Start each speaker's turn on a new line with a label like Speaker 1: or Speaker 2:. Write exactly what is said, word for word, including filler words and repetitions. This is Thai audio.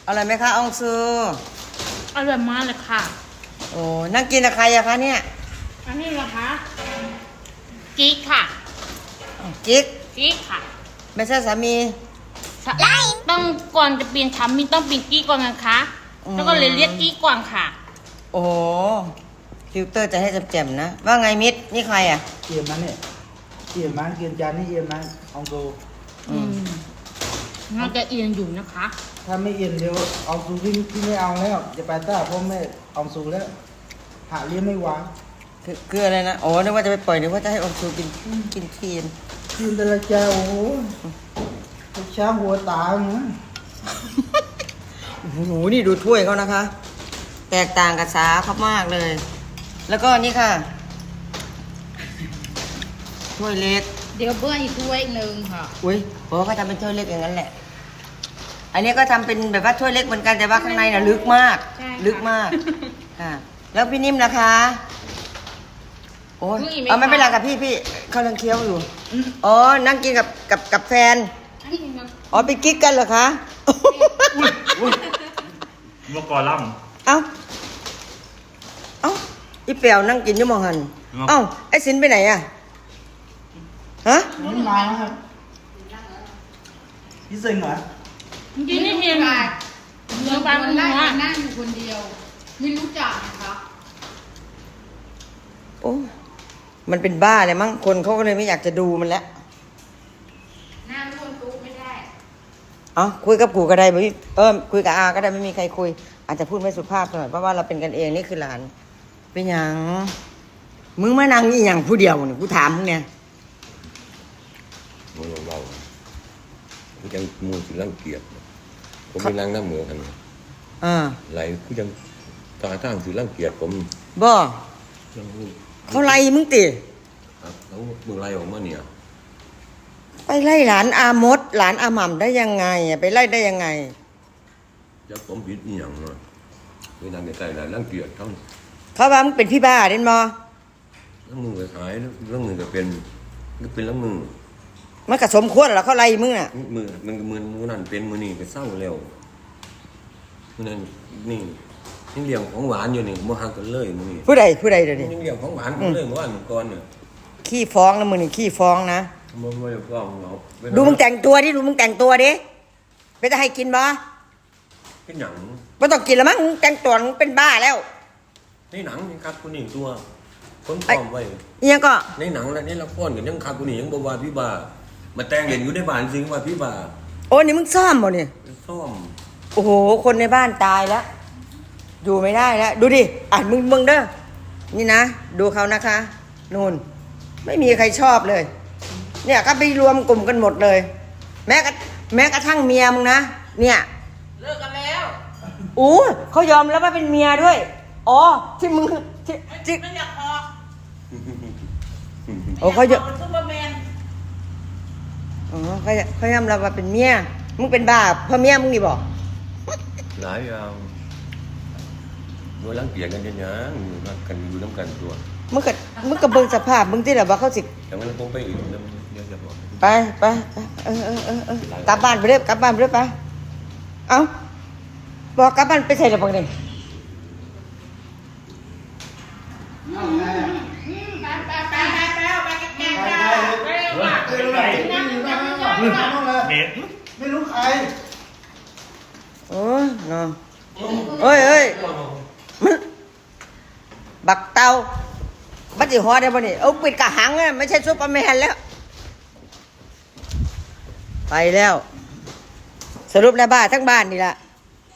Speaker 1: อร่อยไหมคะอองซู
Speaker 2: อร่อยมากเลยค่ะ
Speaker 1: โอ้นั่งกินกับใครอะคะเนี่ย
Speaker 2: อันนี้เหรอคะกิ๊กค่ะ
Speaker 1: กิ๊ก
Speaker 2: กิ๊กค่ะ
Speaker 1: ไม่ใช่สามี
Speaker 2: ต้องก่อนจะเปลี่ยนสามีต้องเปลี่ยนกิ๊กก่อนนะคะแล้วก็เลยเรียกกิ๊กก่อนค่ะ
Speaker 1: โอ้ฟิลเตอร์จะให้แจ่มๆนะว่าไงมิดนี่ใครอะ
Speaker 3: เอียมมันเนี่ยเอียมมันเกียนจานนี่เอียมมันอองซู
Speaker 2: อืมน่าจะเอียงอยู่นะคะ
Speaker 3: ถ้าไม่เอียนเดี๋ยวอองซูพี่พี่ไม่เอาแล้วจะไปต้าเพราะไม่อองซูแล้วหาเลี้ยงไม่วาง
Speaker 1: คือคืออะไรนะอ๋อนึกว่าจะไปปล่อยนึกว่าจะให้อองซูกินกินครีน
Speaker 3: กินแต่ละเจ้าโอ้โหช้างหัวตาเนาะ
Speaker 1: โอ้โหนี่ดูถ้วยเขานะคะแตกต่างกับสาเขามากเลยแล้วก็นี่ค่ะถ้วยเล็ก
Speaker 2: เดี๋ยวเบิ้ลอีกถ้วยหนึ่งค่ะ
Speaker 1: อุ้ยโอ้เขาทำเป็นถ้วยเล็กอย่างนั้นแหละอันนี้ก็ทำเป็นแบบว่าถ้วยเล็กเหมือนกันแต่ว่าข้างในน่ะลึกมากลึกมากค่ะแล้วพี่นิ่มนะคะโอ้ยเอาไม่เป็นไรกับพี่พี่เขาลังเคี้ยวอยู่อ๋อนั่งกินกับกับกับแฟนอ๋อไปกิ๊กกันเหรอคะ
Speaker 4: เมื่อก่อนล่
Speaker 1: ำเอ้าเอ้าอีเปียวนั่งกินอยี่มองหันเอ้าไอ้สินไปไหนอะฮะ
Speaker 3: ไม่มาครับพี่ซิงเหรอ
Speaker 2: กินนี่เพียงเนื้อปลามันนั่ง
Speaker 5: นั่งอยู่คนเดียวไม่รู้จักนะคะ
Speaker 1: โอ้มันเป็นบ้าเลยมั้งคนเขาก็เลยไม่อยากจะดูมันแล้ว
Speaker 5: นั่งร่วมตู้ไม่ได้
Speaker 1: อ๋อคุยกับกูก็ได้ไม่เออคุยกับอาก็ได้ไม่มีใครคุยอาจจะพูดไม่สุภาพหน่อยเพราะว่าเราเป็นกันเองนี่คือหลานเป็นอย่างมึงมานั่งนี่อย่างผู้เดียวเนี่ยกูถามมึงเนี่ย
Speaker 6: มึงเบาๆกูยังมูสิรังเกียจผมไม่นั่งน้ำเหมือกัน
Speaker 1: อ่า
Speaker 6: ไหลกูยังตาตั้งสิรังเกียจผม
Speaker 1: บ่เขาไล่มึงติ
Speaker 6: ครับแล้วมึงไล่ออกมาเนี่ย
Speaker 1: ไปไล่หลานอามดหลานอาหม่ำได้ยังไงอ่ะไปไล่ได้ยังไง
Speaker 6: จะผมผิดอีหยังเนาะไปนั่งใกล้ๆไหลรังเกียจทั้ง
Speaker 1: เขาว่ามึงเป็นพี่บ้าเด่นมอ
Speaker 6: แล้วมึงไปขายแล้วมึงก็เป็นก็เป็นแล้วมึง
Speaker 1: มันกระสมควรเหรอเขาไล่มึงอ่ะ
Speaker 6: มือมันมือมือนั่นเป็นมือนี่ก็เศร้าแล้วมือนั่นนี่นี่เลี้ยงของหวานอยู่นี่มาหักกันเลยมือนี่
Speaker 1: ผู้ใดผู้ใดเดี๋ยวนี้
Speaker 6: นี่เลี้ยงของหวานกันเลยเมื่อวานก่อนเนี่ย
Speaker 1: ขี้ฟ้องนะมึงนี่ขี้ฟ้องนะ
Speaker 6: มันไม่ฟ้องเรา
Speaker 1: ดูมึงแต่งตัวดิดูมึงแต่งตัวดิไปจะให้กินบ่
Speaker 6: เป็นหนัง
Speaker 1: ไม่ต้องกินแล้วมั้งแต่งตัวมึงเป็นบ้าแล้ว
Speaker 6: ในหนังยังคัดกูนี่ตัวคนพร้อมไว้
Speaker 1: ยังก็
Speaker 6: ในหนังแล้วนี่ละครกันยังคัดกูนี่ยังบวาพี่บามาแต่งเล่นอยู่ในบ้านจริงว่าพี่บา
Speaker 1: โอ้นี่มึงซ่อมบ่เนี่ย
Speaker 6: ซ่อม
Speaker 1: โอ้โหคนในบ้านตายแล้วอยู่ไม่ได้แล้วดูดิอ่านมึงมึงเด้อนี่นะดูเขานะคะนู่นไม่มีใครชอบเลยเนี่ยก็ไปรวมกลุ่มกันหมดเลยแม้กระแม้กระทั่งเมียมึงนะเนี่ย
Speaker 5: เลิกกันแล้ว
Speaker 1: อู้เขายอมแล้วว่าเป็นเมียด้วยอ๋อที่มึงที่ที่
Speaker 5: ไม่อยากพอ
Speaker 1: โอ้เขาเยอะ
Speaker 5: ซูเปอร์แมน
Speaker 1: อ๋อเขาเขายอมรับว่าเป็นเมียมึงเป็นบ้าเพราะเมียมึงนี่บอก
Speaker 6: หลายอย่างโดยรังเกียจกันยังยังอยู่รักกันอยู่น้ำกันตัว
Speaker 1: มึงก็มึงก็เบิ่งสภาพมึงที่แบบว่าเขาสิ
Speaker 6: แต่มันคงไปอีกเดี๋ยวเดี๋ยวจะบอก
Speaker 1: ไปไปเออเออเออเออกลับบ้านไปเรื่อยกลับบ้านไปเรื่อยไปเอ้าบอกกลับบ้านไปใส่ระเบิดเลย
Speaker 3: ไม่รู้ใคร
Speaker 1: โอ้ยเนาะเอ้ยเอ้ยมันบักเตาบัดจิฮอได้ป่ะนี่เอาปิดกระหังเลยไม่ใช่ซุปเปอร์แมนแล้วไปแล้วสรุปแล้วบ้าทั้งบ้านนี่ละ